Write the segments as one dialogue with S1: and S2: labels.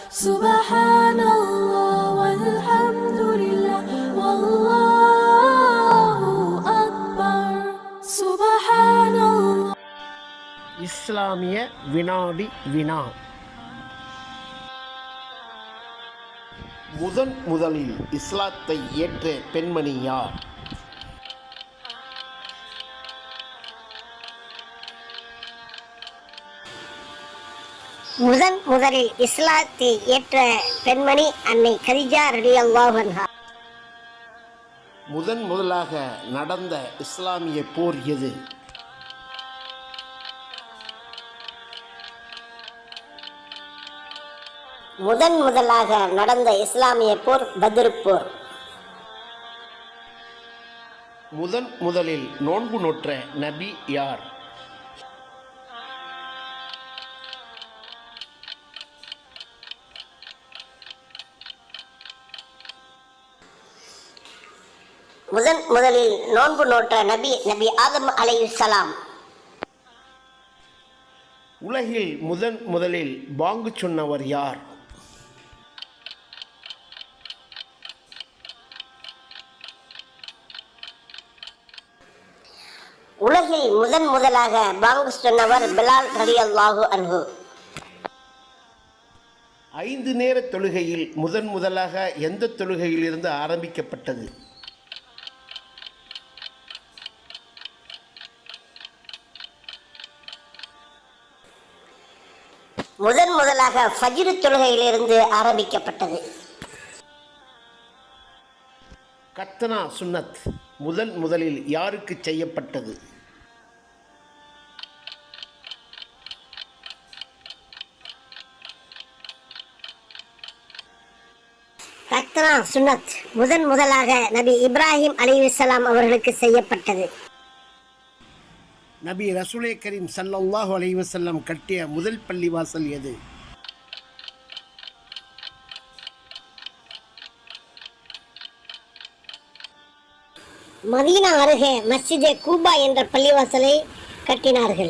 S1: Subhanallah walhamdulillah wallahu akbar. Subhanallah.
S2: இஸ்லாமிய வினாடி வினா. முதலில் இஸ்லாத்தை ஏற்ற பெண்மணி யார்?
S3: முதலில் இஸ்லாத்தை ஏற்ற பெண்மணி அன்னை கதீஜா ரலியல்லாஹு அன்ஹா.
S2: முதலாக நடந்த இஸ்லாமிய போர் எது?
S3: முதலாக நடந்த இஸ்லாமிய போர் பத்ர் போர்.
S2: முதலில் நோன்பு நோற்ற நபி யார்?
S3: முதலில் நோன்பு நோற்ற நபி ஆதம் அலைஹிஸ்ஸலாம்.
S2: உலகில் முதலில் பாங்கு சொன்னவர் யார்?
S3: உலகில் முதலாக பாங்கு சொன்னவர் பிலால் ரலியல்லாஹு அன்ஹு.
S2: 5 நேர தொழுகையில் முதலாக எந்த தொழுகையிலிருந்து ஆரம்பிக்கப்பட்டது?
S3: முதலாக ஃபஜ்ர் தொழுகையிலிருந்து ஆரம்பிக்கப்பட்டது.
S2: கத்னா சுன்னத் முதலில் யாருக்கு செய்யப்பட்டது?
S3: கத்னா சுன்னத் முதலாக நபி இப்ராஹிம் அலைஹிஸ்ஸலாம் அவர்களுக்கு செய்யப்பட்டது.
S2: நபி ரசூலே கரீம் ஸல்லல்லாஹு அலைஹி வஸல்லம் கட்டிய முதல் பள்ளிவாசல் எது?
S3: மதீனா அருகே மஸ்ஜிதே கூபா என்ற பள்ளிவாசலை கட்டினார்கள்.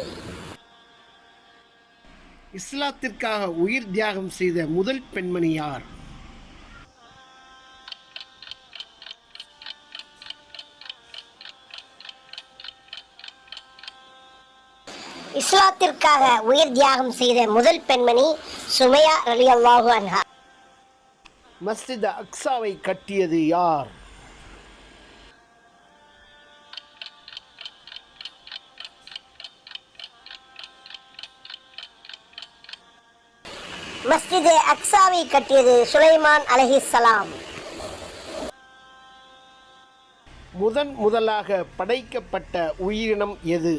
S2: இஸ்லாத்திற்காக உயிர் தியாகம் செய்த முதல் பெண்மணி யார்?
S3: இஸ்லாத்திற்காக உயிர் தியாகம் செய்த முதல் பெண்மணி சுமையா ரலியல்லாஹு அன்ஹா.
S2: மஸ்ஜித் அக்ஸாவை கட்டியது யார்?
S3: மஸ்ஜிதே அக்ஸாவை கட்டியது சுலைமான் அலைஹிஸ்ஸலாம்.
S2: முதலாக படைக்கப்பட்ட உயிரினம் எது?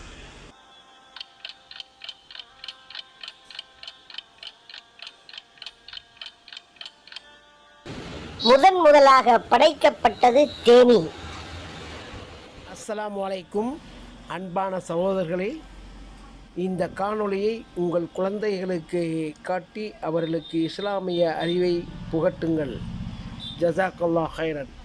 S3: முதலாக படைக்கப்பட்டது தேனி.
S2: அஸ்ஸலாமு அலைக்கும். அன்பான சகோதரர்களே, இந்த காணொளியை உங்கள் குழந்தைகளுக்கு காட்டி அவர்களுக்கு இஸ்லாமிய அறிவை புகட்டுங்கள். ஜஸாக்கல்லாஹ் ஹைரன்.